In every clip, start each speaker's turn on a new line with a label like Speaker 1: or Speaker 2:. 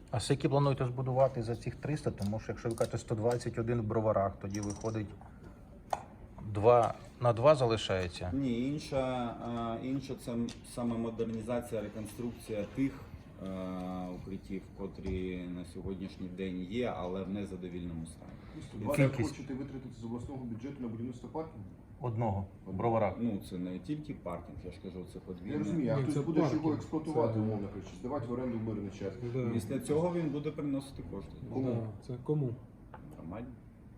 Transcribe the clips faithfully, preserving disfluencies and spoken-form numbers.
Speaker 1: А скільки плануєте збудувати за цих триста? Тому що якщо ви кажете сто двадцять один в Броварах, тоді виходить два на два залишається.
Speaker 2: Ні, інша, а, інша це саме модернізація, реконструкція тих е, укриттів, котрі на сьогоднішній день є, але в незадовільному стані.
Speaker 3: сто двадцять
Speaker 1: Кількість.
Speaker 3: хочете витратити з обласного бюджету на будівництво паркінгу?
Speaker 1: Одного в Броварах.
Speaker 2: Ну, це не тільки паркінг, я ж кажу, це
Speaker 3: Я
Speaker 2: подвійне.
Speaker 3: розумію, а
Speaker 4: Ні,
Speaker 3: хтось
Speaker 4: це
Speaker 3: буде ж його
Speaker 4: паркінг.
Speaker 3: експлуатувати,
Speaker 4: Це-
Speaker 3: умовно кажучи, здавати в оренду в мирний час.
Speaker 4: Да.
Speaker 2: Після цього він буде приносити кошти.
Speaker 3: Кому?
Speaker 4: Да. Це кому?
Speaker 2: Нормально.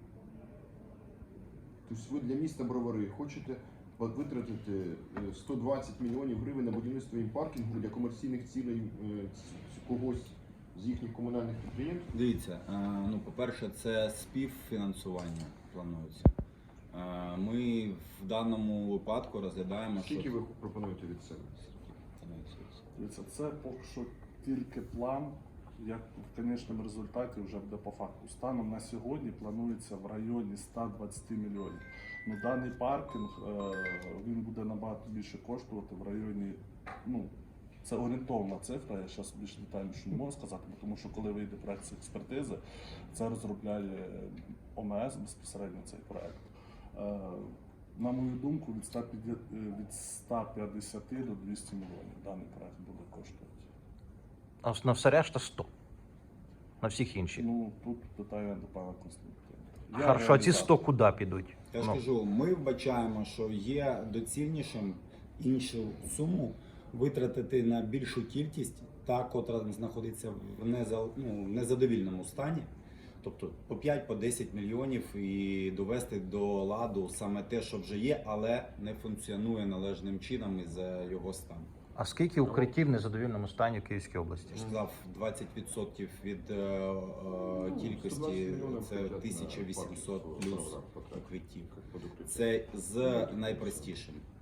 Speaker 3: Тобто ви для міста Бровари хочете витратити е, сто двадцять мільйонів гривень на будівництво їм паркінгу для комерційних цілей е, ц- когось з їхніх комунальних підприємств?
Speaker 2: Дивіться, е, ну, по-перше, це співфінансування планується. Е, Ми в даному випадку розглядаємо, що...
Speaker 3: Скільки ви пропонуєте від себе?
Speaker 5: Дивіться, це поки що тільки план, як в кінечному результаті вже буде по факту. Станом на сьогодні планується в районі ста двадцяти мільйонів. Ну, даний паркінг е, він буде набагато більше коштувати в районі, ну, це орієнтовна цифра, я зараз більш детальніше не можу сказати, бо тому що коли вийде проект з експертизи, це розробляє ОМС безпосередньо цей проект. Е, На мою думку, від ста п'ятдесят від ста п'ятдесят до двохсот мільйонів даний проект буде коштувати.
Speaker 1: А на все решта сто. На всіх інших.
Speaker 5: Ну, тут питання до пана Константина. Я
Speaker 1: Хорошо, а ці
Speaker 5: реалізатор.
Speaker 1: сто куди підуть?
Speaker 2: Я ж
Speaker 1: Ну.
Speaker 2: кажу, ми вбачаємо, що є доцільнішим іншу суму витратити на більшу кількість, та, котра знаходиться в неза, ну, в незадовільному стані. Тобто по п'ять по десять мільйонів і довести до ладу саме те, що вже є, але не функціонує належним чином із-за його стану.
Speaker 1: А скільки укриттів в незадовільному стані в Київській області?
Speaker 2: Я ж сказав, двадцять відсотків від е, е,
Speaker 3: Ну,
Speaker 2: кількості
Speaker 3: сто двадцять мільйонів
Speaker 2: це
Speaker 3: бюджет на
Speaker 2: тисяча вісімсот
Speaker 3: паркінг
Speaker 2: плюс
Speaker 3: в Броварах потрібно.
Speaker 2: укриттів.
Speaker 3: Під укриття.
Speaker 2: Це з найпростішим.